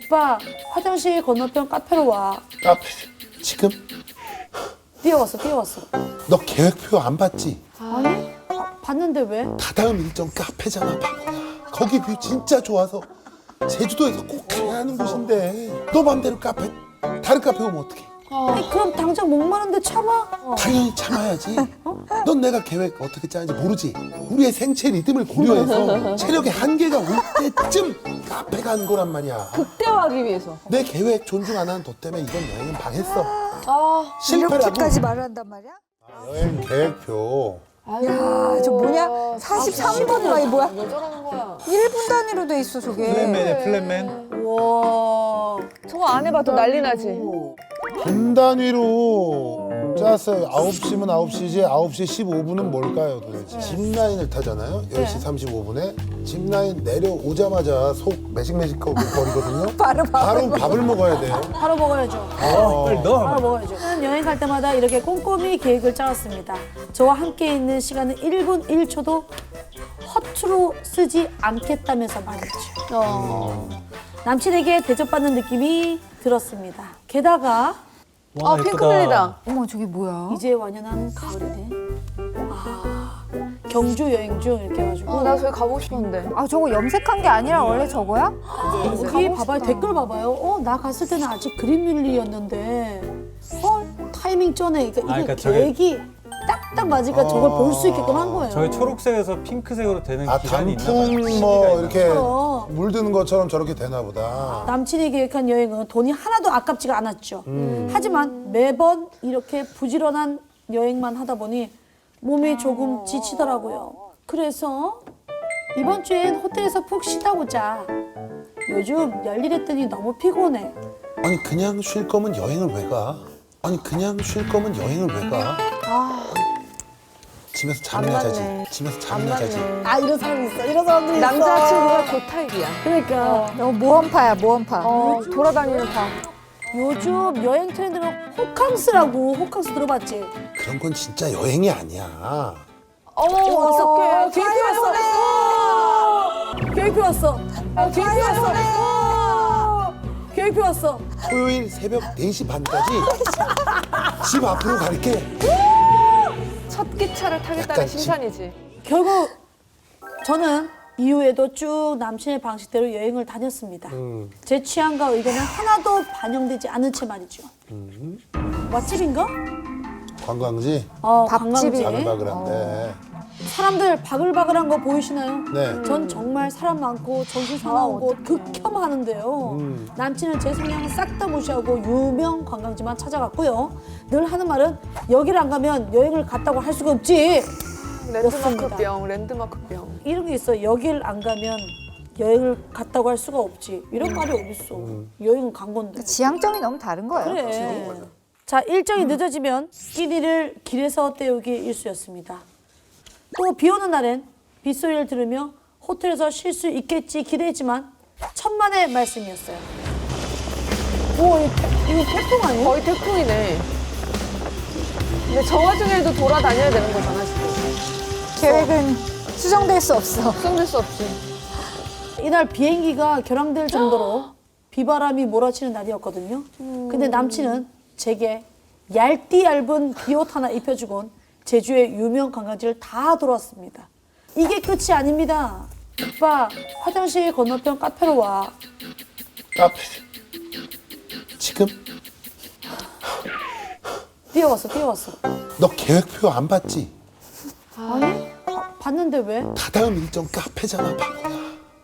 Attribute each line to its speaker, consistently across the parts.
Speaker 1: 오빠 화장실 건너편 카페로 와.
Speaker 2: 카페 지금?
Speaker 1: 뛰어왔어.
Speaker 2: 너 계획표 안 봤지?
Speaker 1: 아니? 봤는데 왜?
Speaker 2: 다다음 일정 카페잖아 바보야. 거기 뷰 진짜 좋아서 제주도에서 꼭 가야 하는 곳인데 너 맘대로 카페 다른 카페 오면 어떡해?
Speaker 1: 아니, 그럼 당장 목마른데 참아?
Speaker 2: 당연히 참아야지. 넌 내가 계획 어떻게 짜는지 모르지? 우리의 생체 리듬을 고려해서 체력의 한계가 올 때쯤 카페 가는 거란 말이야.
Speaker 3: 극대화하기 위해서.
Speaker 2: 내 계획 존중 안 하는 너 때문에 이번 여행은 망했어.
Speaker 3: 아,
Speaker 2: 실패라고.
Speaker 4: 이렇게까지 말을 한단 말이야?
Speaker 2: 여행 계획표.
Speaker 4: 야, 저 뭐냐? 43번이가 이 뭐야?
Speaker 3: 왜 저러는 거야?
Speaker 4: 1분 단위로 돼 있어, 저게.
Speaker 5: 플랜맨이야 플랜맨.
Speaker 1: 우와.
Speaker 3: 저거 안 해봐도 난리 나지.
Speaker 2: 분 단위로 짰어요. 9시면 9시지 9시 15분은 뭘까요 도대체? 짚라인을 타잖아요. 10시 35분에 짚라인 내려오자마자 속 매식매식거리거든요.
Speaker 4: 바로
Speaker 2: 바로 밥을 먹어야 돼요.
Speaker 1: 바로 먹어야죠.
Speaker 5: 빨리 넣어.
Speaker 1: 바로 먹어야죠. 저는 여행 갈 때마다 이렇게 꼼꼼히 계획을 짜왔습니다. 저와 함께 있는 시간은 1분 1초도 허투루 쓰지 않겠다면서 말이죠. 남친에게 대접받는 느낌이 들었습니다. 게다가
Speaker 3: 아, 핑크뮬리다.
Speaker 4: 어머, 저게 뭐야?
Speaker 1: 이제 완연한 가을이네. 경주 여행 중 이렇게 해가지고
Speaker 3: 나 저기 가보고 싶었는데.
Speaker 4: 아, 저거 염색한 게 아니라 원래 저거야?
Speaker 1: 여기 봐봐요. 댓글 봐봐요. 나 갔을 때는 아직 그린뮬리였는데 타이밍 전에
Speaker 5: 그러니까
Speaker 1: 이게
Speaker 5: 저게-
Speaker 1: 계획이 딱딱 맞으니까 저걸 볼 수 있게끔 한 거예요.
Speaker 5: 저희 초록색에서 핑크색으로 되는
Speaker 2: 아
Speaker 5: 기간이 있나
Speaker 2: 단풍
Speaker 5: 봐요.
Speaker 2: 뭐
Speaker 5: 시기가
Speaker 2: 이렇게
Speaker 1: 있나?
Speaker 2: 물드는 것처럼 저렇게 되나 보다.
Speaker 1: 남친이 계획한 여행은 돈이 하나도 아깝지가 않았죠. 하지만 매번 이렇게 부지런한 여행만 하다 보니 몸이 조금 지치더라고요. 그래서 이번 주엔 호텔에서 푹 쉬다 보자. 요즘 열일했더니 너무 피곤해.
Speaker 2: 아니 그냥 쉴 거면 여행을 왜 가? 아니 그냥 쉴 거면 여행을 왜 가? 집에서 잠이나 자지. 집에서 잠이나 자지.
Speaker 1: 아 이런 사람이 있어. 이런 사람들이 있어.
Speaker 3: 남자친구가 그 타입이야.
Speaker 1: 그러니까
Speaker 4: 너 모험파야, 모험파.
Speaker 3: 돌아다니는 파.
Speaker 1: 요즘 여행 트렌드는 호캉스라고. 호캉스 들어봤지?
Speaker 2: 그런 건 진짜 여행이 아니야.
Speaker 3: 어머,
Speaker 1: 어떡해. 계획표
Speaker 3: 계획표
Speaker 1: 왔어. 계획표 왔어. 계획표 왔어. 계획표 왔어.
Speaker 2: 토요일 새벽 4시 반까지 집 앞으로 갈게.
Speaker 3: 첫 기차를 타겠다는
Speaker 2: 약간
Speaker 3: 심산이지.
Speaker 1: 결국 저는 이후에도 쭉 남친의 방식대로 여행을 다녔습니다. 제 취향과 의견은 하나도 반영되지 않은 채 말이죠. 맛집인가?
Speaker 2: 관광지
Speaker 1: 관광지.
Speaker 2: 바글바글한데.
Speaker 1: 사람들 바글바글한 거 보이시나요?
Speaker 2: 네.
Speaker 1: 전 정말 사람 많고 정신 사나운 곳 극혐하는데요. 남친은 제 성향을 싹 다 무시하고 유명 관광지만 찾아갔고요. 늘 하는 말은 여기를 안 가면 여행을 갔다고 할 수가 없지.
Speaker 3: 랜드마크병, 랜드마크병.
Speaker 1: 이런 게 있어. 여길 안 가면 여행을 갔다고 할 수가 없지. 이런 말이 어딨어. 여행은 간 건데.
Speaker 4: 지향점이 너무 다른 거예요.
Speaker 1: 그래. 자, 일정이 늦어지면 끼니를 길에서 때우기 일쑤였습니다. 또 비 오는 날엔 빗소리를 들으며 호텔에서 쉴 수 있겠지 기대했지만 천만의 말씀이었어요. 오, 이거 태풍 아니에요?
Speaker 3: 거의 태풍이네. 근데 저 와중에도 돌아다녀야 되는 거잖아, 지금.
Speaker 4: 계획은 수정될 수 없어.
Speaker 3: 숨길 수 없지.
Speaker 1: 이날 비행기가 결항될 정도로 비바람이 몰아치는 날이었거든요. 근데 남친은 제게 얇디 얇은 비옷 하나 입혀주곤 제주의 유명 관광지를 다 돌았습니다. 이게 끝이 아닙니다. 오빠 화장실 건너편 카페로 와.
Speaker 2: 카페 지금?
Speaker 1: 뛰어왔어.
Speaker 2: 너 계획표 안 봤지?
Speaker 1: 아니? 봤는데 왜?
Speaker 2: 다다음 일정 카페잖아 바보야.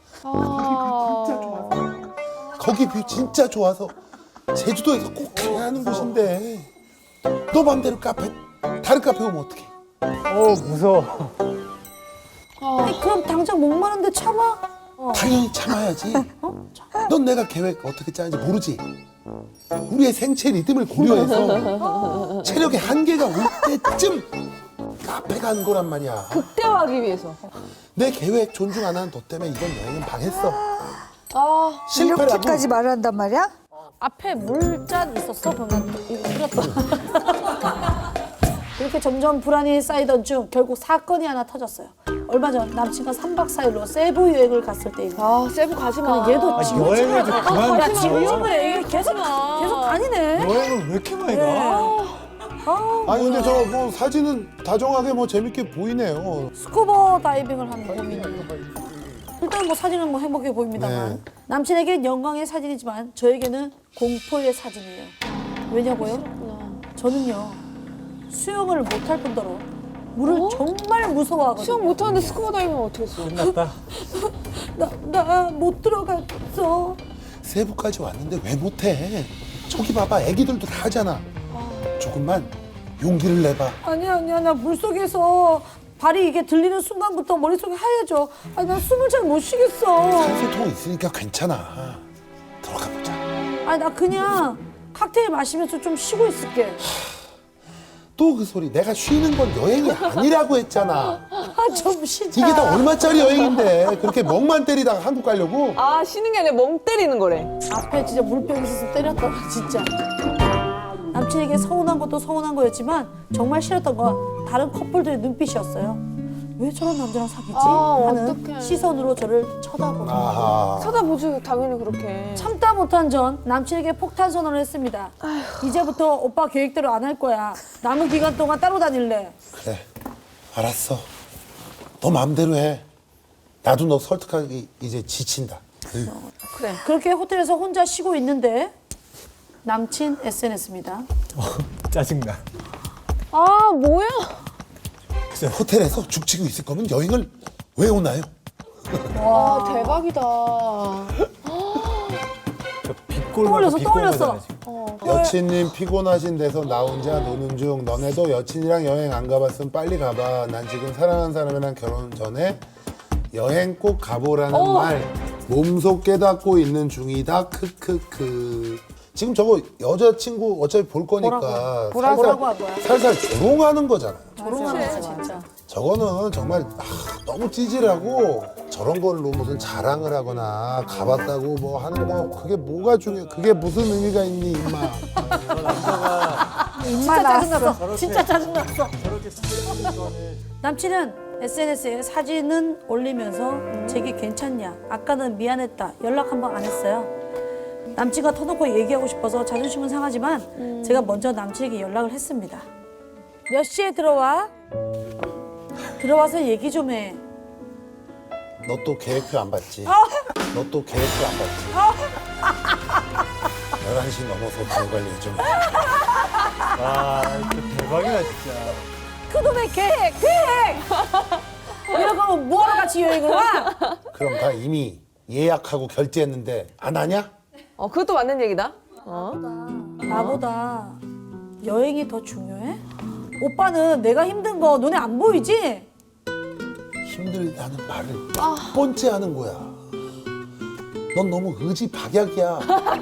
Speaker 2: 거기 뷰 진짜 좋아서 제주도에서 꼭 가야 하는 곳인데 너 맘대로 다른 카페 오면 어떡해?
Speaker 5: 무서워.
Speaker 1: 아니, 그럼 당장 목마른데 참아?
Speaker 2: 당연히 참아야지. 넌 내가 계획 어떻게 짜는지 모르지? 우리의 생체 리듬을 고려해서 체력의 한계가 올 때쯤 카페 가는 거란 말이야.
Speaker 3: 극대화하기 위해서.
Speaker 2: 내 계획 존중 안 하는 너 때문에 이번 여행은 망했어.
Speaker 3: 아,
Speaker 2: 실패라고.
Speaker 4: 이렇게까지 말을 한단 말이야?
Speaker 1: 앞에 물잔 있었어? 그러면 이거 흐렸다. 이렇게 점점 불안이 쌓이던 중 결국 사건이 하나 터졌어요. 얼마 전 남친과 3박 4일로 세부 여행을 갔을 때입니다.
Speaker 3: 아, 세부 가지 마.
Speaker 1: 얘도
Speaker 5: 아,
Speaker 1: 지금
Speaker 5: 여행을 좀 그만
Speaker 1: 야,
Speaker 5: 줘.
Speaker 1: 지금 그래. 계속 다니네.
Speaker 5: 여행을 왜 이렇게 많이 가?
Speaker 2: 아니 근데 저 뭐 사진은 다정하게 뭐 재밌게 보이네요.
Speaker 1: 스쿠버 다이빙을 한 고민이에요. 일단 뭐 사진은 뭐 행복해 보입니다만
Speaker 2: 네.
Speaker 1: 남친에겐 영광의 사진이지만 저에게는 공포의 사진이에요. 왜냐고요? 저는요 수영을 못할 뿐더러 물을 정말 무서워하거든요.
Speaker 3: 수영 못하는데 스쿠버 다이빙 어떻게 했어?
Speaker 5: 끝났다.
Speaker 1: 나 못 들어갔어.
Speaker 2: 세부까지 왔는데 왜 못해? 저기 봐봐, 애기들도 다 하잖아. 조금만 용기를 내봐.
Speaker 1: 아니야 나 물속에서 발이 이게 들리는 순간부터 머릿속이 하얘져. 아니 난 숨을 잘 못 쉬겠어.
Speaker 2: 산소통 있으니까 괜찮아. 들어가 보자.
Speaker 1: 아니 나 그냥 칵테일 마시면서 좀 쉬고 있을게.
Speaker 2: 또 그 소리. 내가 쉬는 건 여행이 아니라고 했잖아.
Speaker 1: 아 좀 쉬자.
Speaker 2: 이게 다 얼마짜리 여행인데 그렇게 멍만 때리다가 한국 가려고?
Speaker 3: 아, 쉬는 게 아니라 멍 때리는 거래.
Speaker 1: 앞에 진짜 물병 있어서 때렸다 진짜. 남친에게 서운한 것도 서운한 거였지만 정말 싫었던 건 다른 커플들의 눈빛이었어요. 왜 저런 남자랑 사귀지?
Speaker 3: 아,
Speaker 1: 하는
Speaker 3: 어떡해.
Speaker 1: 시선으로 저를 쳐다보는 거예요.
Speaker 2: 아하.
Speaker 3: 쳐다보지, 당연히 그렇게.
Speaker 1: 참다 못한 전 남친에게 폭탄 선언을 했습니다. 이제부터 오빠 계획대로 안 할 거야. 남은 기간 동안 따로 다닐래.
Speaker 2: 그래. 알았어. 너 마음대로 해. 나도 너 설득하기 이제 지친다.
Speaker 3: 그래.
Speaker 1: 그렇게 호텔에서 혼자 쉬고 있는데 남친 SNS입니다.
Speaker 5: 짜증나.
Speaker 3: 아, 뭐야?
Speaker 2: 글쎄, 호텔에서 죽치고 있을 거면 여행을 왜 오나요?
Speaker 3: 아, 대박이다.
Speaker 5: 저 빗골
Speaker 1: 떠올렸어,
Speaker 5: 빗골
Speaker 1: 떠올렸어.
Speaker 5: 가잖아, 지금.
Speaker 2: 여친님 피곤하신 데서 나 혼자 노는 중. 너네도 여친이랑 여행 안 가봤으면 빨리 가봐. 난 지금 사랑하는 사람이랑 결혼 전에 여행 꼭 가보라는 말 몸속 깨닫고 있는 중이다. 크크크. 지금 저거 여자친구 어차피 볼 거니까
Speaker 1: 뭐라고 한 거야?
Speaker 2: 살살 조롱하는 거잖아요.
Speaker 1: 조롱하는 거 진짜.
Speaker 2: 저거는 정말 너무 찌질하고 저런 걸로 무슨 자랑을 하거나 가봤다고 뭐 하는 거 그게 뭐가 중요해? 그게 무슨 의미가 있니 임마?
Speaker 1: 진짜 짜증났어. 진짜 짜증났어. 남친은 SNS에 사진은 올리면서 제게 괜찮냐? 아까는 미안했다. 연락 한 번 안 했어요. 남친과 터놓고 얘기하고 싶어서 자존심은 상하지만 제가 먼저 남친에게 연락을 했습니다. 몇 시에 들어와? 들어와서 얘기 좀 해.
Speaker 2: 너 또 계획표 안 봤지? 너 또 계획표 안 봤지? 11시 넘어서 들어갈 예정이야.
Speaker 5: 와, 진짜 대박이다, 진짜.
Speaker 1: 그놈의 계획! 이러고 하면 뭐하러 같이 여행을 와?
Speaker 2: 그럼 다 이미 예약하고 결제했는데 안 하냐?
Speaker 3: 그것도 맞는 얘기다.
Speaker 1: 나보다 여행이 더 중요해? 오빠는 내가 힘든 거 눈에 안 보이지?
Speaker 2: 힘들다는 말을 몇 번째 하는 거야. 넌 너무 의지박약이야.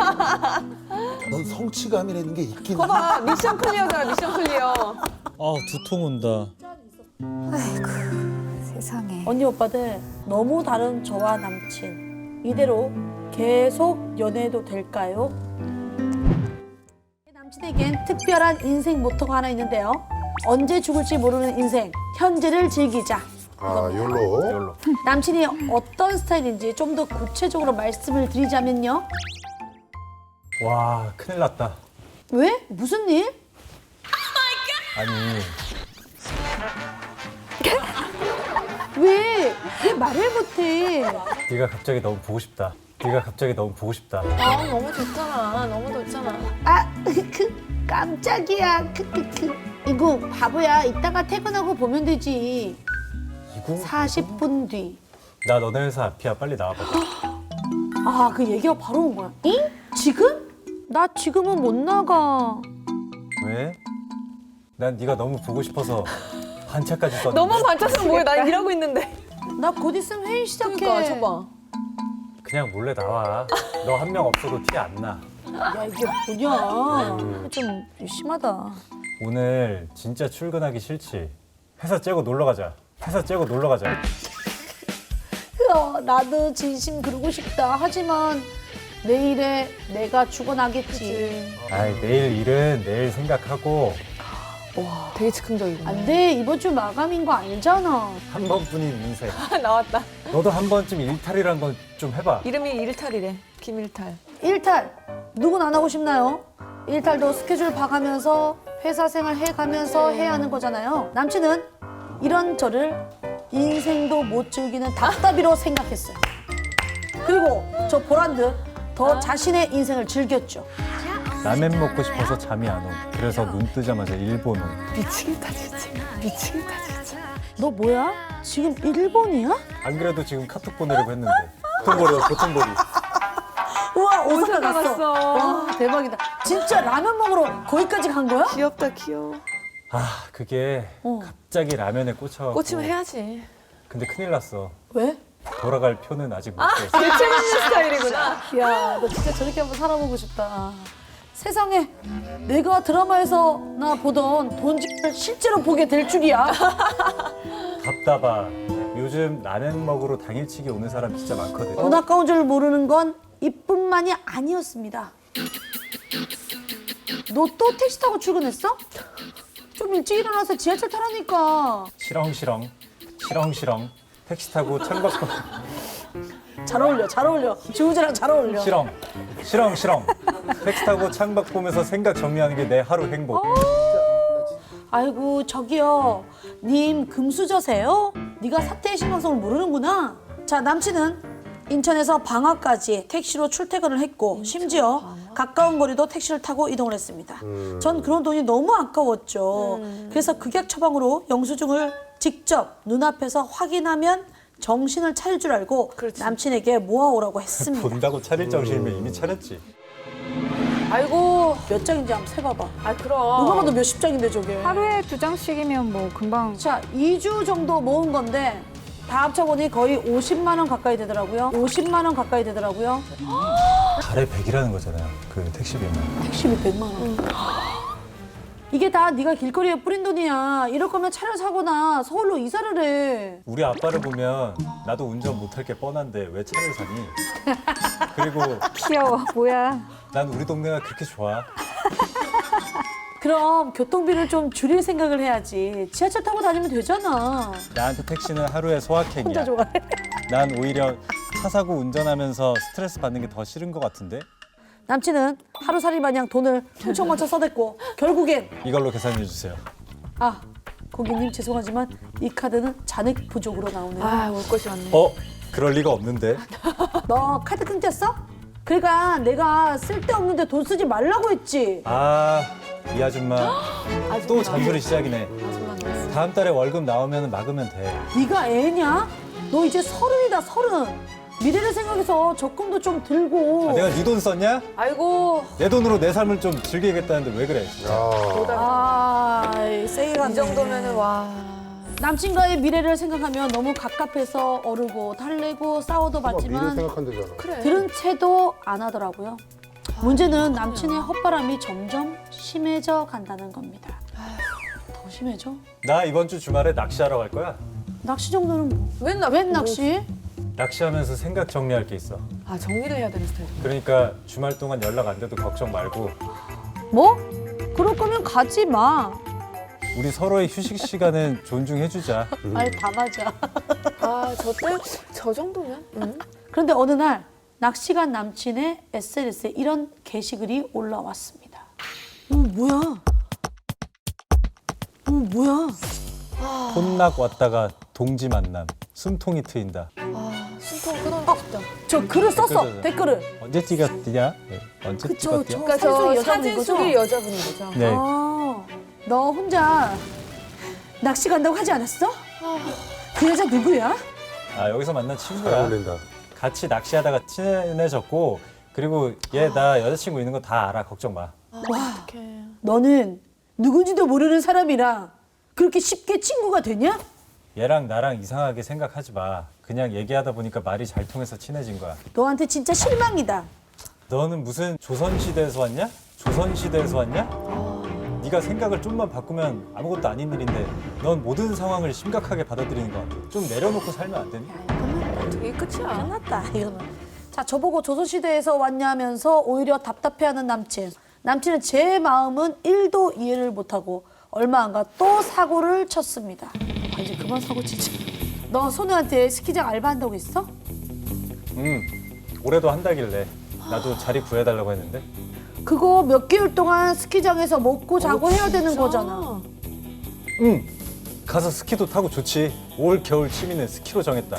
Speaker 2: 넌 성취감이라는 게 있긴 해.
Speaker 3: 봐봐, 미션 클리어잖아, 미션 클리어.
Speaker 5: 아, 두통 온다.
Speaker 4: 세상에.
Speaker 1: 언니 오빠들 너무 다른 저와 남친 이대로 계속 연애해도 될까요? 남친에겐 특별한 인생 모토가 하나 있는데요. 언제 죽을지 모르는 인생, 현재를 즐기자.
Speaker 2: 아, 욜로.
Speaker 5: 이걸로.
Speaker 1: 남친이 어떤 스타일인지 좀 더 구체적으로 말씀을 드리자면요.
Speaker 5: 와, 큰일 났다.
Speaker 1: 왜? 무슨 일?
Speaker 5: 아니,
Speaker 1: 왜? 왜 말을 못해?
Speaker 5: 네가 갑자기 너무 보고 싶다. 네가 갑자기 너무 보고 싶다.
Speaker 3: 아, 너무 좋잖아. 너무 좋잖아.
Speaker 1: 아, 깜짝이야. 이거 바보야. 이따가 퇴근하고 보면 되지.
Speaker 5: 이거?
Speaker 1: 40분 뒤.
Speaker 5: 나 너네 회사 앞이야. 빨리 나와봐.
Speaker 1: 아, 그 얘기가 바로 온 거야. 응? 지금? 나 지금은 못 나가.
Speaker 5: 왜? 난 네가 너무 보고 싶어서 반차까지 썼는데.
Speaker 3: 너만 반짝으면 뭐해? 난 일하고 있는데.
Speaker 1: 나 곧 있으면 회의 시작해.
Speaker 3: 그러니까, 저봐.
Speaker 5: 그냥 몰래 나와. 너 한 명 없어도 티 안 나.
Speaker 1: 야, 이게 뭐냐. 좀 심하다.
Speaker 5: 오늘 진짜 출근하기 싫지? 회사 째고 놀러 가자. 회사 째고 놀러 가자.
Speaker 1: 나도 진심 그러고 싶다. 하지만 내일에 내가 죽어나겠지.
Speaker 5: 아이, 내일 일은 내일 생각하고
Speaker 3: 와, 되게 즉흥적이구나.
Speaker 1: 안 돼. 이번 주 마감인 거 알잖아.
Speaker 5: 한 번뿐인 인생.
Speaker 3: 나왔다.
Speaker 5: 너도 한 번쯤 일탈이란 건 좀 해봐.
Speaker 3: 이름이 일탈이래. 김일탈.
Speaker 1: 일탈. 누군 안 하고 싶나요? 일탈도 스케줄 봐가면서 회사 생활 해가면서 해야 하는 거잖아요. 남친은 이런 저를 인생도 못 즐기는 답답이로 생각했어요. 그리고 저 보란 듯 더 자신의 인생을 즐겼죠.
Speaker 5: 라멘 먹고 싶어서 잠이 안 오. 그래서 눈 뜨자마자 일본 온.
Speaker 3: 미치겠다, 진짜. 미치겠다, 진짜.
Speaker 1: 너 뭐야? 지금 일본이야?
Speaker 5: 안 그래도 지금 카톡 보내려고 했는데. 보통거리.
Speaker 1: 우와, 오사카
Speaker 3: 오사카
Speaker 1: 갔어.
Speaker 3: 갔어.
Speaker 1: 와, 대박이다. 진짜 라면 먹으러 거기까지 간 거야?
Speaker 3: 귀엽다, 귀여워.
Speaker 5: 아, 그게
Speaker 1: 어.
Speaker 5: 갑자기 라면에 꽂혀갖고.
Speaker 3: 꽂히면 해야지.
Speaker 5: 근데 큰일 났어.
Speaker 1: 왜?
Speaker 5: 돌아갈 표는 아직 못 줬어.
Speaker 3: 대체 맞는 스타일이구나.
Speaker 1: 야, 너 진짜 저렇게 한번 살아보고 싶다. 세상에 내가 드라마에서나 보던 돈집을 실제로 보게 될 줄이야.
Speaker 5: 답답하. 요즘 라면 먹으러 당일치기 오는 사람 진짜 많거든.
Speaker 1: 돈 아까운 줄 모르는 건 이뿐만이 아니었습니다. 너 또 택시 타고 출근했어? 좀 일찍 일어나서 지하철 타라니까.
Speaker 5: 시렁시렁. 택시 타고 창밖으로.
Speaker 1: 잘 어울려, 잘 어울려. 지우재랑 잘 어울려.
Speaker 5: 시렁. 택시 타고 창밖 보면서 생각 정리하는 게 내 하루 행복.
Speaker 1: 아이고 저기요, 님 금수저세요? 네가 사태의 심각성을 모르는구나. 자, 남친은 인천에서 방화까지 택시로 출퇴근을 했고 심지어 가까운 거리도 택시를 타고 이동을 했습니다. 전 그런 돈이 너무 아까웠죠. 그래서 극약 처방으로 영수증을 직접 눈앞에서 확인하면 정신을 차릴 줄 알고 남친에게 모아오라고 했습니다.
Speaker 5: 본다고 차릴 정신이면 이미 차렸지.
Speaker 1: 아이고 몇 장인지 한번 세봐봐.
Speaker 3: 아, 그럼.
Speaker 1: 누가 봐도 몇십 장인데 저게.
Speaker 4: 하루에 2장씩이면 뭐 금방.
Speaker 1: 자, 2주 정도 모은 건데 다 합쳐보니 거의 50만 원 가까이 되더라고요. 50만 원 가까이 되더라고요.
Speaker 5: 달에 100이라는 거잖아요. 그 택시비만.
Speaker 1: 택시비 100만 원. 이게 다 네가 길거리에 뿌린 돈이야. 이럴 거면 차를 사거나 서울로 이사를 해.
Speaker 5: 우리 아빠를 보면 나도 운전 못할 게 뻔한데 왜 차를 사니? 그리고
Speaker 4: 귀여워. 뭐야.
Speaker 5: 난 우리 동네가 그렇게 좋아.
Speaker 1: 그럼 교통비를 좀 줄일 생각을 해야지. 지하철 타고 다니면 되잖아.
Speaker 5: 나한테 택시는 하루의 소확행이야.
Speaker 1: 혼자 좋아해.
Speaker 5: 난 오히려 차 사고 운전하면서 스트레스 받는 게 더 싫은 것 같은데?
Speaker 1: 남친은 하루살이 마냥 돈을 퉁쳐맞춰 써댔고 결국엔
Speaker 5: 이걸로 계산해 주세요.
Speaker 1: 아, 고객님 죄송하지만 이 카드는 잔액 부족으로 나오네요.
Speaker 3: 아, 올 것이 왔네.
Speaker 5: 그럴 리가 없는데.
Speaker 1: 너 카드 끊겼어? 그러니까 내가 쓸데없는데 돈 쓰지 말라고 했지.
Speaker 5: 아, 이 아줌마 또 잔소리 시작이네.
Speaker 3: 아줌마 나왔어.
Speaker 5: 다음 달에 월급 나오면 막으면 돼.
Speaker 1: 네가 애냐? 너 이제 30이다, 30. 미래를 생각해서 적금도 좀 들고.
Speaker 5: 내가 네 돈 썼냐?
Speaker 3: 아이고,
Speaker 5: 내 돈으로 내 삶을 좀 즐기겠다는데 왜 그래? 진짜.
Speaker 1: 아, 세게 갔네.
Speaker 3: 이 정도면은 와.
Speaker 1: 남친과의 미래를 생각하면 너무 갑갑해서 어르고 달래고 싸워도
Speaker 2: 미래
Speaker 1: 봤지만
Speaker 2: 생각한다잖아.
Speaker 3: 그래.
Speaker 1: 들은 채도 안 하더라고요. 문제는 남친의 헛바람이 점점 심해져 간다는 겁니다. 더 심해져?
Speaker 5: 나 이번 주 주말에 낚시하러 갈 거야.
Speaker 1: 낚시 정도는 뭐?
Speaker 3: 웬
Speaker 1: 웬 낚시?
Speaker 5: 낚시하면서 생각 정리할 게 있어.
Speaker 3: 아, 정리를 해야 되는 스타일.
Speaker 5: 그러니까 주말 동안 연락 안 돼도 걱정 말고
Speaker 1: 뭐? 그럴 거면 가지 마.
Speaker 5: 우리 서로의 휴식 시간은 존중해주자.
Speaker 1: 말 다 맞아.
Speaker 3: 아, 저 정도면? 응?
Speaker 1: 그런데 어느 날 낚시 간 남친의 SNS에 이런 게시글이 올라왔습니다. 뭐야? 뭐야?
Speaker 5: 혼낙 왔다가 동지 만남. 숨통이 트인다.
Speaker 3: 아, 숨통 끊어놓고 싶다.
Speaker 1: 저 글을 썼어,
Speaker 5: 댓글을.
Speaker 1: 댓글을.
Speaker 5: 언제 찍었냐? 네, 언제
Speaker 1: 그쵸,
Speaker 5: 찍었냐?
Speaker 1: 저
Speaker 3: 그러니까 저
Speaker 1: 사진
Speaker 3: 사진
Speaker 1: 여자분인
Speaker 3: 속의
Speaker 1: 거죠?
Speaker 3: 여자분인 거죠.
Speaker 5: 네.
Speaker 1: 아, 너 혼자 낚시 간다고 하지 않았어? 그 여자 누구야?
Speaker 5: 아, 여기서 만난
Speaker 2: 잘
Speaker 5: 친구야.
Speaker 2: 어울린다.
Speaker 5: 같이 낚시하다가 친해졌고 그리고 얘 나 여자친구 있는 거 다 알아. 걱정 마.
Speaker 3: 어떡해.
Speaker 1: 너는 누군지도 모르는 사람이랑 그렇게 쉽게 친구가 되냐?
Speaker 5: 얘랑 나랑 이상하게 생각하지 마. 그냥 얘기하다 보니까 말이 잘 통해서 친해진 거야.
Speaker 1: 너한테 진짜 실망이다.
Speaker 5: 너는 무슨 조선시대에서 왔냐? 조선시대에서 왔냐? 네가 생각을 좀만 바꾸면 아무것도 아닌 일인데 넌 모든 상황을 심각하게 받아들이는 것 같아. 좀 내려놓고 살면 안 되니?
Speaker 3: 이게 끝이야.
Speaker 1: 끝났다, 이거는. 자, 저보고 조선시대에서 왔냐면서 오히려 답답해하는 남친. 남친은 제 마음은 1도 이해를 못하고 얼마 안 가 또 사고를 쳤습니다. 아, 이제 그만 사고 치지. 너 손우한테 스키장 알바한다고 했어?
Speaker 5: 올해도 한다길래 나도 자리 구해달라고 했는데.
Speaker 1: 그거 몇 개월 동안 스키장에서 먹고 자고 해야 되는 거잖아.
Speaker 5: 가서 스키도 타고 좋지. 올 겨울 취미는 스키로 정했다.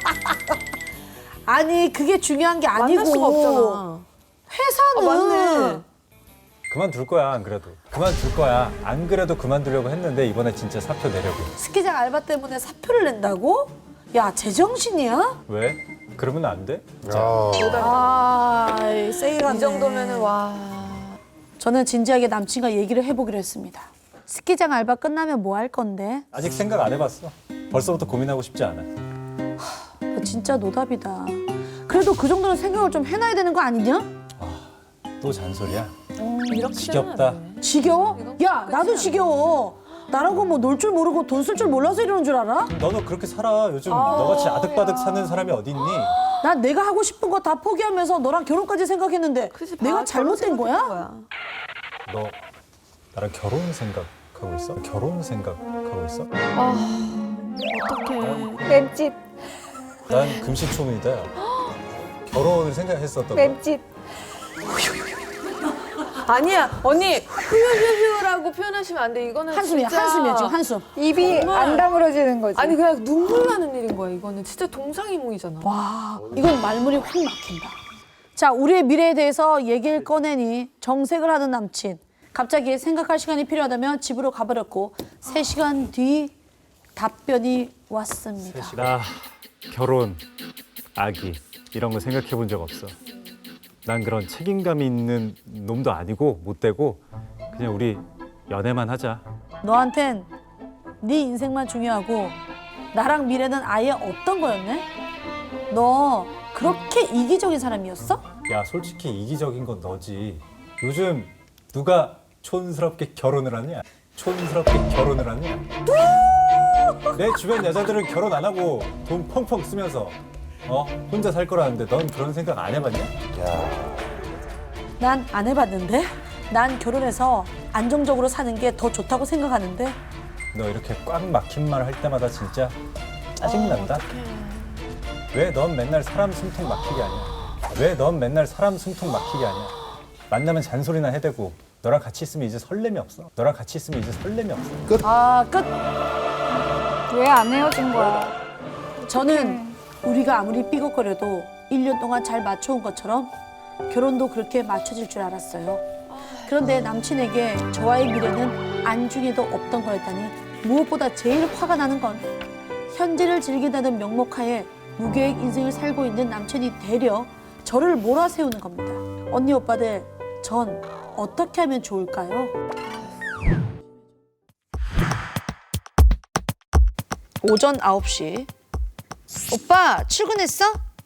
Speaker 1: 아니 그게 중요한 게 아니고
Speaker 3: 만날 수가 없잖아.
Speaker 1: 회사는
Speaker 3: 맞네.
Speaker 5: 그만둘 거야 안 그래도. 그만둘 거야. 안 그래도 그만두려고 했는데 이번에 진짜 사표 내려고.
Speaker 1: 스키장 알바 때문에 사표를 낸다고? 야 제정신이야?
Speaker 5: 왜? 그러면 안 돼?
Speaker 1: 아 세일하네.
Speaker 3: 이 정도면은 와.
Speaker 1: 저는 진지하게 남친과 얘기를 해보기로 했습니다. 스키장 알바 끝나면 뭐 할 건데?
Speaker 5: 아직 생각 안 해봤어. 벌써부터 고민하고 싶지 않아.
Speaker 1: 너 진짜 노답이다. 그래도 그 정도는 생각을 좀 해놔야 되는 거 아니냐?
Speaker 5: 또 잔소리야.
Speaker 3: 이렇게
Speaker 5: 지겹다.
Speaker 1: 지겨워? 야 나도 지겨워. 나라고 뭐 놀 줄 모르고 돈 쓸 줄 몰라서 이러는 줄 알아?
Speaker 5: 너도 그렇게 살아. 요즘 너같이 아득바득 사는 사람이 어디 있니?
Speaker 1: 난 내가 하고 싶은 거 다 포기하면서 너랑 결혼까지 생각했는데 내가 잘못된 거야?
Speaker 5: 너 나랑 결혼 생각하고 있어? 결혼 생각하고 있어?
Speaker 3: 어떡해.
Speaker 4: 맵집,
Speaker 5: 난 금시초문이다. 결혼을 생각했었던 거.
Speaker 4: 맵집.
Speaker 3: 아니야 언니 휴휴휴휴라고 표현하시면 안 돼. 이거는
Speaker 1: 한숨이야
Speaker 3: 진짜...
Speaker 1: 한숨이야 지금 한숨.
Speaker 4: 입이 안 다물어지는 거지.
Speaker 3: 아니 그냥 눈물 나는 일인 거야. 이거는 진짜 동상이몽이잖아.
Speaker 1: 와 이건 말문이 확 막힌다. 자 우리의 미래에 대해서 얘기를 꺼내니 정색을 하는 남친. 갑자기 생각할 시간이 필요하다면 집으로 가버렸고 3시간 뒤 답변이 왔습니다.
Speaker 5: 나 결혼, 아기 이런 거 생각해 본 적 없어. 난 그런 책임감 있는 놈도 아니고 못 되고 그냥 우리 연애만 하자.
Speaker 1: 너한텐 네 인생만 중요하고 나랑 미래는 아예 없던 거였네? 너 그렇게 이기적인 사람이었어?
Speaker 5: 야 솔직히 이기적인 건 너지. 요즘 누가 촌스럽게 결혼을 하냐? 촌스럽게 결혼을 하냐? 내 주변 여자들은 결혼 안 하고 돈 펑펑 쓰면서 혼자 살 거라는데 넌 그런 생각 안 해봤냐?
Speaker 1: 난 안 해봤는데? 난 결혼해서 안정적으로 사는 게 더 좋다고 생각하는데
Speaker 5: 너 이렇게 꽉 막힌 말 할 때마다 진짜 짜증난다. 왜 넌 맨날 사람 숨통 막히게 하냐? 왜 넌 맨날 사람 숨통 막히게 하냐? 만나면 잔소리나 해대고 너랑 같이 있으면 이제 설렘이 없어. 너랑 같이 있으면 이제 설렘이 없어.
Speaker 1: 아 끝!
Speaker 4: 왜 안 헤어진 거야?
Speaker 1: 저는 우리가 아무리 삐걱거려도 1년 동안 잘 맞춰온 것처럼 결혼도 그렇게 맞춰질 줄 알았어요. 그런데 남친에게 저와의 미래는 안중에도 없던 거였다니 무엇보다 제일 화가 나는 건 현재를 즐긴다는 명목하에 무계획 인생을 살고 있는 남친이 되려 저를 몰아세우는 겁니다. 언니 오빠들 전 어떻게 하면 좋을까요? 오전 9시 오빠 출근했어?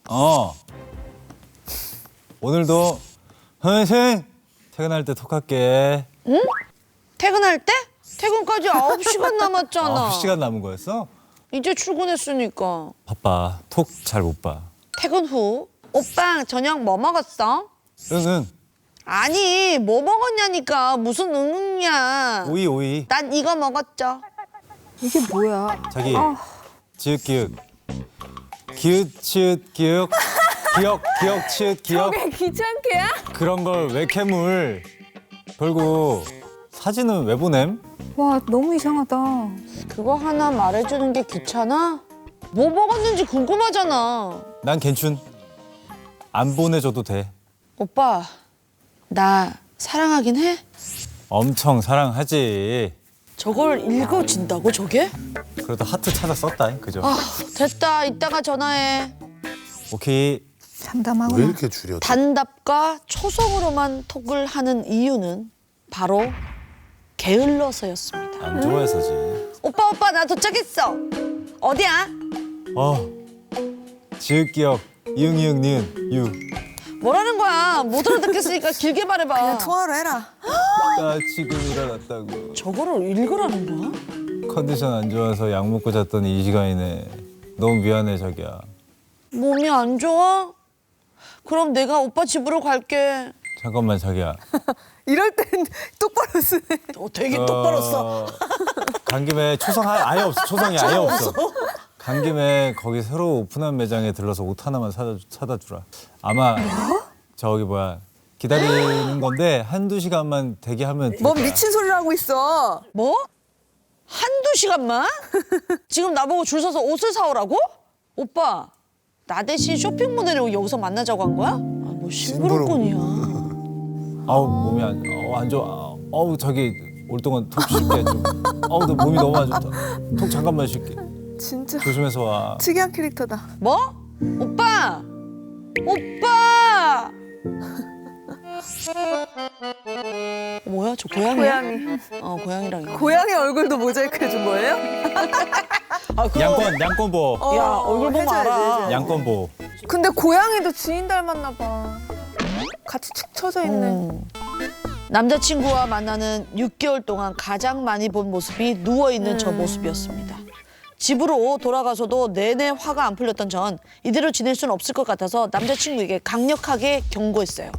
Speaker 5: 오늘도 화이팅! 퇴근할 때 톡할게.
Speaker 1: 퇴근할 때? 퇴근까지 9시간 남았잖아.
Speaker 5: 9시간 남은 거였어?
Speaker 1: 이제 출근했으니까.
Speaker 5: 바빠. 톡 잘 못 봐.
Speaker 1: 퇴근 후 오빠 저녁 뭐 먹었어?
Speaker 5: 응응.
Speaker 1: 아니 뭐 먹었냐니까 무슨 응응이야.
Speaker 5: 오이.
Speaker 1: 난 이거 먹었죠.
Speaker 4: 이게 뭐야?
Speaker 5: 자기 지읒 기읒 기읒 치읒 기억 기억 치읒 기억
Speaker 3: 저게 귀찮게야?
Speaker 5: 그런 걸 왜 캐물 결국 사진은 왜 보냄?
Speaker 4: 와, 너무 이상하다.
Speaker 1: 그거 하나 말해주는 게 귀찮아? 뭐 먹었는지 궁금하잖아.
Speaker 5: 난 괜춘 안 보내줘도 돼.
Speaker 1: 오빠 나 사랑하긴 해?
Speaker 5: 엄청 사랑하지.
Speaker 1: 저걸 읽어진다고 저게?
Speaker 5: 그래도 하트 찾아 썼다 그죠?
Speaker 1: 아 됐다 이따가 전화해.
Speaker 5: 오케이.
Speaker 2: 왜
Speaker 4: 참담하구나.
Speaker 2: 이렇게 줄여?
Speaker 1: 단답과 초성으로만 톡을 하는 이유는 바로 게을러서였습니다.
Speaker 5: 안 좋아해서지.
Speaker 1: 오빠 나 도착했어. 어디야?
Speaker 5: 지읒 기억 이응 니은 유.
Speaker 1: 뭐라는 거야? 못 알아듣겠으니까 길게 말해봐.
Speaker 4: 통화로 해라.
Speaker 5: 나 지금 일어났다고.
Speaker 1: 저거를 읽으라는 거야?
Speaker 5: 컨디션 안 좋아서 약 먹고 잤더니 이 시간이네. 너무 미안해 자기야.
Speaker 1: 몸이 안 좋아? 그럼 내가 오빠 집으로 갈게.
Speaker 5: 잠깐만 자기야.
Speaker 3: 이럴 땐 똑바로 쓰네.
Speaker 1: 되게 똑바로 써.
Speaker 5: 간 김에 초성 아예 없어. 초성이 아예 없어. 간 김에 거기 새로 오픈한 매장에 들러서 옷 하나만 사다 주라. 아마 저기 뭐야 기다리는 건데 한두 시간만 대기하면 될
Speaker 3: 뭐
Speaker 5: 거야.
Speaker 3: 미친 소리를 하고 있어.
Speaker 1: 뭐? 한두 시간만? 지금 나보고 줄 서서 옷을 사오라고? 오빠, 나 대신 쇼핑몰 내려고 여기서 만나자고 한 거야? 아, 뭐 심부름꾼이야.
Speaker 5: 아우 몸이 안 좋아. 어우 자기 올 동안 톡 쉴게 좀. 어우 나 몸이 너무 안 좋다. 톡 잠깐만 쉴게.
Speaker 3: 진짜
Speaker 5: 조심해서 와.
Speaker 3: 특이한 캐릭터다.
Speaker 1: 뭐? 오빠! 오빠! 뭐야, 저 고양이야?
Speaker 3: 고양이.
Speaker 1: 고양이랑 이거.
Speaker 3: 고양이 얼굴도 모자이크 해준 거예요?
Speaker 1: 아, 그거.
Speaker 5: 양권 보호.
Speaker 1: 야, 얼굴 보면
Speaker 3: 해줘야지,
Speaker 1: 알아.
Speaker 3: 해줘야지.
Speaker 5: 양권 보호.
Speaker 3: 근데 고양이도 주인 닮았나 봐. 같이 축 처져 있네.
Speaker 1: 남자친구와 만나는 6개월 동안 가장 많이 본 모습이 누워있는 저 모습이었습니다. 집으로 돌아가서도 내내 화가 안 풀렸던 전 이대로 지낼 수는 없을 것 같아서 남자친구에게 강력하게 경고했어요.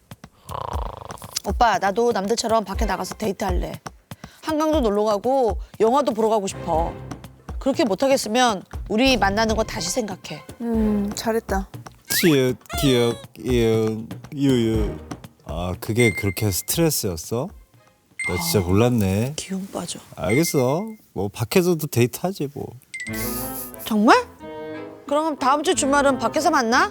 Speaker 1: 오빠, 나도 남들처럼 밖에 나가서 데이트할래. 한강도 놀러 가고 영화도 보러 가고 싶어. 그렇게 못하겠으면 우리 만나는 거 다시 생각해.
Speaker 3: 잘했다.
Speaker 5: 치읓 기억 이응 유유. 아 그게 그렇게 스트레스였어? 나 진짜 몰랐네.
Speaker 1: 기운 빠져.
Speaker 5: 알겠어. 뭐 밖에서도 데이트하지 뭐.
Speaker 1: 정말? 그럼 다음 주 주말은 밖에서 만나?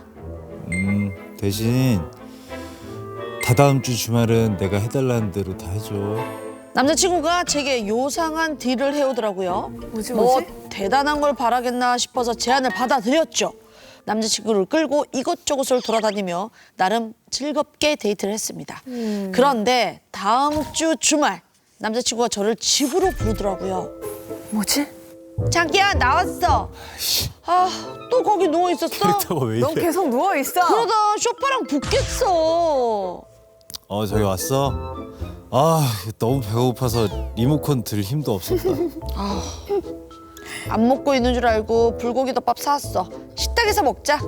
Speaker 5: 대신 다다음 주 주말은 내가 해달라는 대로 다 해줘.
Speaker 1: 남자친구가 제게 요상한 딜을 해오더라고요.
Speaker 3: 뭐지,
Speaker 1: 뭐
Speaker 3: 뭐지?
Speaker 1: 대단한 걸 바라겠나 싶어서 제안을 받아들였죠. 남자친구를 끌고 이곳저곳을 돌아다니며 나름 즐겁게 데이트를 했습니다. 그런데 다음 주 주말 남자친구가 저를 집으로 부르더라고요.
Speaker 3: 뭐지?
Speaker 1: 자기야, 나왔어. 아, 또 거기 누워 있었어?
Speaker 5: 캐릭터가 왜
Speaker 3: 넌
Speaker 5: 이래?
Speaker 3: 계속 누워 있어.
Speaker 1: 그러다 쇼파랑 붙겠어.
Speaker 5: 저기 왔어? 아 너무 배고파서 리모컨 들 힘도 없었다.
Speaker 1: 안 먹고 있는 줄 알고 불고기덮밥 사왔어. 식탁에서 먹자.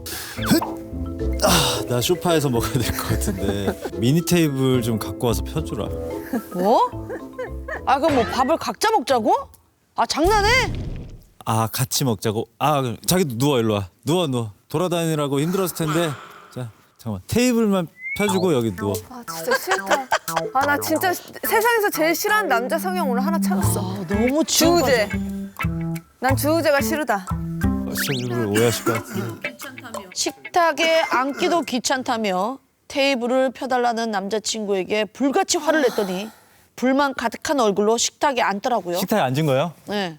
Speaker 5: 나 소파에서 먹어야 될 것 같은데 미니 테이블 좀 갖고 와서 펴주라.
Speaker 1: 뭐? 아, 그럼 뭐 밥을 각자 먹자고? 아, 장난해?
Speaker 5: 아 같이 먹자고. 그럼 자기도 누워 일로 와. 누워. 돌아다니라고 힘들었을 텐데. 자 잠깐만 테이블만 펴주고 여기 누워.
Speaker 3: 아 진짜 싫다. 아 나 진짜 세상에서 제일 싫어하는 남자 성형 오늘 하나 찾았어.
Speaker 1: 너무
Speaker 3: 주우재. 난 주우재가 싫다.
Speaker 5: 일부러 오해하실 것 같은데.
Speaker 1: 식탁에 앉기도 귀찮다며 테이블을 펴달라는 남자친구에게 불같이 화를 냈더니 불만 가득한 얼굴로 식탁에 앉더라고요.
Speaker 5: 식탁에 앉은 거예요?
Speaker 1: 네.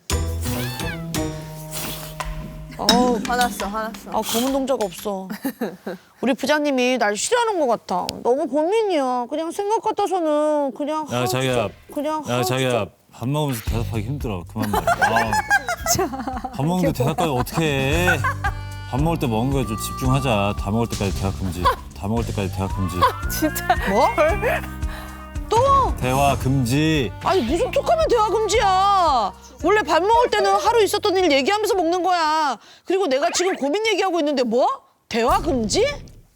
Speaker 3: 화났어.
Speaker 1: 검은 동자가 없어. 우리 부장님이 날 싫어하는 것 같아. 너무 고민이야. 그냥 생각 같아서는 그냥
Speaker 5: 야 자기야.
Speaker 1: 그냥
Speaker 5: 야 자기야 밥 먹으면서 대답하기 힘들어. 그만 말해. 밥 먹는데 대답까지 어떻게 해? 밥 먹을 때 먹은 거에 좀 집중하자. 다 먹을 때까지 대화 금지.
Speaker 3: 진짜.
Speaker 1: 뭐? 또?
Speaker 5: 대화 금지.
Speaker 1: 아니 무슨 툭하면 대화 금지야. 원래 밥 먹을 때는 하루 있었던 일 얘기하면서 먹는 거야. 그리고 내가 지금 고민 얘기하고 있는데 뭐? 대화 금지?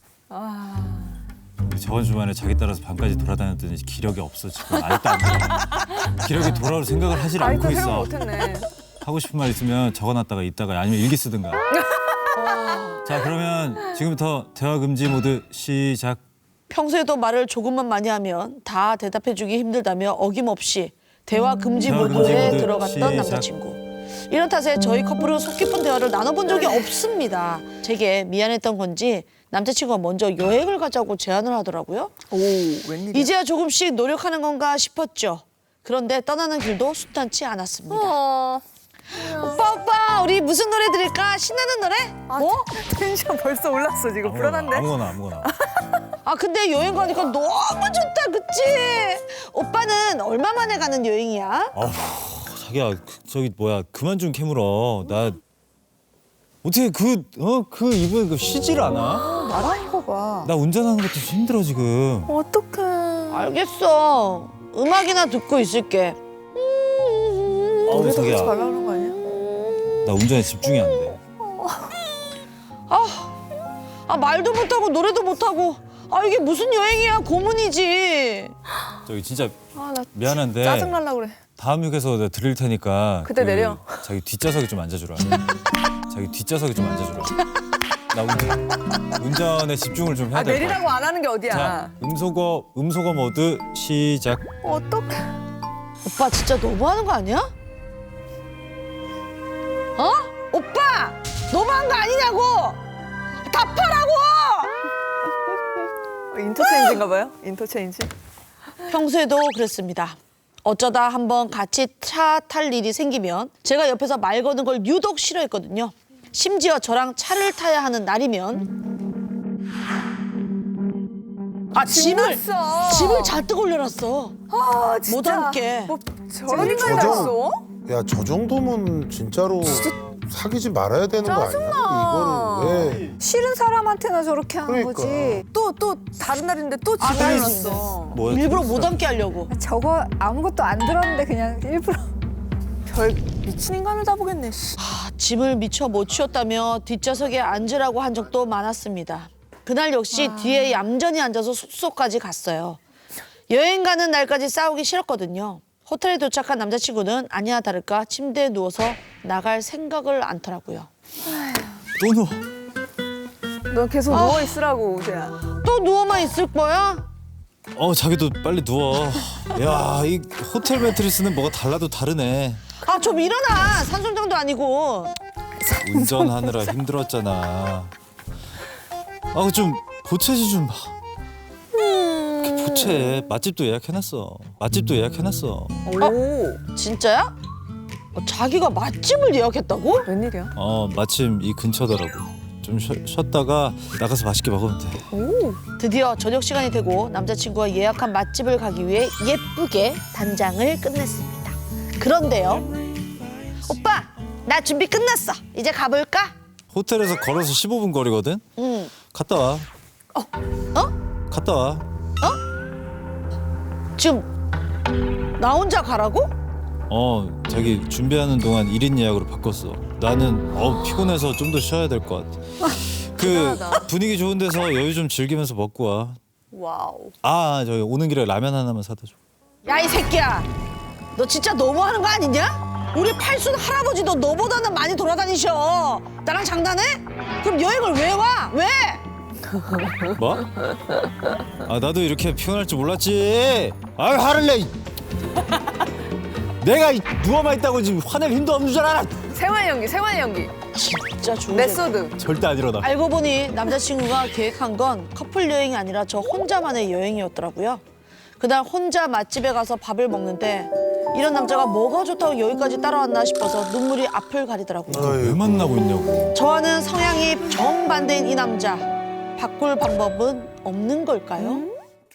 Speaker 5: 저번 주말에 자기 따라서 밤까지 돌아다녔더니 기력이 없어 지금. 아직도 안 돌아. 기력이 돌아올 생각을 하질 않고
Speaker 3: 아이고
Speaker 5: 있어.
Speaker 3: 생각 못했네.
Speaker 5: 하고 싶은 말 있으면 적어놨다가 있다가 아니면 일기 쓰든가. 자 그러면 지금부터 대화 금지 모드 시작.
Speaker 1: 평소에도 말을 조금만 많이 하면 다 대답해주기 힘들다며 어김없이 대화 금지
Speaker 5: 대화 금지
Speaker 1: 모드에
Speaker 5: 모드
Speaker 1: 들어갔던
Speaker 5: 시작.
Speaker 1: 남자친구. 이런 탓에 저희 커플은 속 깊은 대화를 나눠본 적이 없습니다. 제게 미안했던 건지 남자친구가 먼저 여행을 가자고 제안을 하더라고요.
Speaker 3: 오 웬일이야.
Speaker 1: 이제야 조금씩 노력하는 건가 싶었죠. 그런데 떠나는 길도 순탄치 않았습니다. 오빠 우리 무슨 노래 들을까? 신나는 노래? 뭐?
Speaker 3: 텐션 벌써 올랐어 지금. 불안한데.
Speaker 5: 아무거나.
Speaker 1: 아 근데 여행 가니까 너무 좋다 그치? 오빠는 얼마 만에 가는 여행이야?
Speaker 5: 자기야 저기 뭐야 그만 좀 캐물어. 나 어떻게 그 이번에 쉬질 않아?
Speaker 4: 말하는 거 봐.
Speaker 5: 나 운전하는 것도 힘들어 지금.
Speaker 3: 어떡해.
Speaker 1: 알겠어. 음악이나 듣고 있을게.
Speaker 3: 노래도
Speaker 5: 자기야
Speaker 3: 하지 말라는 거 아니야?
Speaker 5: 나 운전에 집중이 안 돼.
Speaker 1: 아 말도 못하고 노래도 못하고 아 이게 무슨 여행이야? 고문이지.
Speaker 5: 저기 진짜
Speaker 3: 아, 나
Speaker 5: 미안한데
Speaker 3: 짜증날라 그래.
Speaker 5: 다음 휴게소 내가 드릴 테니까
Speaker 3: 그때 내려.
Speaker 5: 자기 뒷좌석에 좀 앉아주라. 자기 뒷좌석에 좀 앉아주라. 나 운전에 집중을 좀 해야
Speaker 3: 아,
Speaker 5: 될 것 같아.
Speaker 3: 내리라고 안 하는 게 어디야.
Speaker 5: 자, 음소거 모드 시작.
Speaker 3: 어떡해.
Speaker 1: 오빠 진짜 너무하는 거 아니야? 어? 오빠 너무한 거 아니냐고? 답하라고!
Speaker 3: 인터체인지인가 봐요? 인터체인지?
Speaker 1: 평소에도 그랬습니다. 어쩌다 한번 같이 차 탈 일이 생기면 제가 옆에서 말 거는 걸 유독 싫어했거든요. 심지어 저랑 차를 타야 하는 날이면 짐을 잔뜩 올려놨어.
Speaker 3: 아, 진짜.
Speaker 1: 못 앉게.
Speaker 3: 뭐 저런 인간이 다 있어?
Speaker 2: 야, 저 정도면 진짜로 사귀지 말아야 되는 거 아니야? 이거를 왜?
Speaker 4: 싫은 사람한테나 저렇게 하는
Speaker 2: 그러니까.
Speaker 4: 거지.
Speaker 3: 또 다른 날인데 또
Speaker 1: 아,
Speaker 3: 집에
Speaker 1: 나
Speaker 3: 놨어.
Speaker 1: 일부러 못 앉게 하려고.
Speaker 4: 저거 아무것도 안 들었는데 그냥 일부러.
Speaker 3: 별 미친 인간을 다 보겠네. 씨.
Speaker 1: 짐을 미처 못 치웠다며 뒷좌석에 앉으라고 한 적도 많았습니다. 그날 역시 뒤에 얌전히 앉아서 숙소까지 갔어요. 여행 가는 날까지 싸우기 싫었거든요. 호텔에 도착한 남자친구는 아니나 다를까 침대에 누워서 나갈 생각을 않더라고요.
Speaker 5: 또 누워.
Speaker 3: 너 계속 누워 있으라고, 우재야.
Speaker 1: 또 누워만 있을 거야?
Speaker 5: 자기도 빨리 누워. 야, 이 호텔 매트리스는 뭐가 달라도 다르네.
Speaker 1: 아, 좀 일어나. 산송장도 아니고.
Speaker 5: 운전하느라 힘들었잖아. 좀 보채지 좀. 이렇게 보채. 맛집도 예약해놨어.
Speaker 3: 오,
Speaker 1: 진짜야? 자기가 맛집을 예약했다고?
Speaker 3: 웬일이야?
Speaker 5: 마침 이 근처더라고. 좀 쉬었다가 나가서 맛있게 먹으면 돼.
Speaker 3: 오,
Speaker 1: 드디어 저녁 시간이 되고 남자친구가 예약한 맛집을 가기 위해 예쁘게 단장을 끝냈습니다. 그런데요. 오빠, 나 준비 끝났어. 이제 가볼까?
Speaker 5: 호텔에서 걸어서 15분 거리거든?
Speaker 1: 응.
Speaker 5: 갔다 와. 갔다 와.
Speaker 1: 지금 나 혼자 가라고?
Speaker 5: 자기 준비하는 동안 1인 예약으로 바꿨어. 나는 피곤해서 좀 더 쉬어야 될 것 같아. 분위기 좋은 데서 여유 좀 즐기면서 먹고 와.
Speaker 3: 와우.
Speaker 5: 저기 오는 길에 라면 하나만 사다 줘.
Speaker 1: 야, 이 새끼야. 너 진짜 너무하는 거 아니냐? 우리 팔순 할아버지도 너보다는 많이 돌아다니셔. 나랑 장난해? 그럼 여행을 왜 와? 왜?
Speaker 5: 뭐? 나도 이렇게 피곤할 줄 몰랐지. 화를 내. 내가 누워만 있다고 지금 화낼 힘도 없는 줄 알아.
Speaker 3: 생활 연기.
Speaker 1: 진짜 좋은
Speaker 3: 메소드.
Speaker 5: 절대 안 일어나.
Speaker 1: 알고 보니 남자친구가 계획한 건 커플 여행이 아니라 저 혼자만의 여행이었더라고요. 그날 혼자 맛집에 가서 밥을 먹는데 이런 남자가 뭐가 좋다고 여기까지 따라왔나 싶어서 눈물이 앞을 가리더라고요.
Speaker 5: 왜 만나고 있냐고.
Speaker 1: 저와는 성향이 정반대인 이 남자. 바꿀 방법은 없는 걸까요?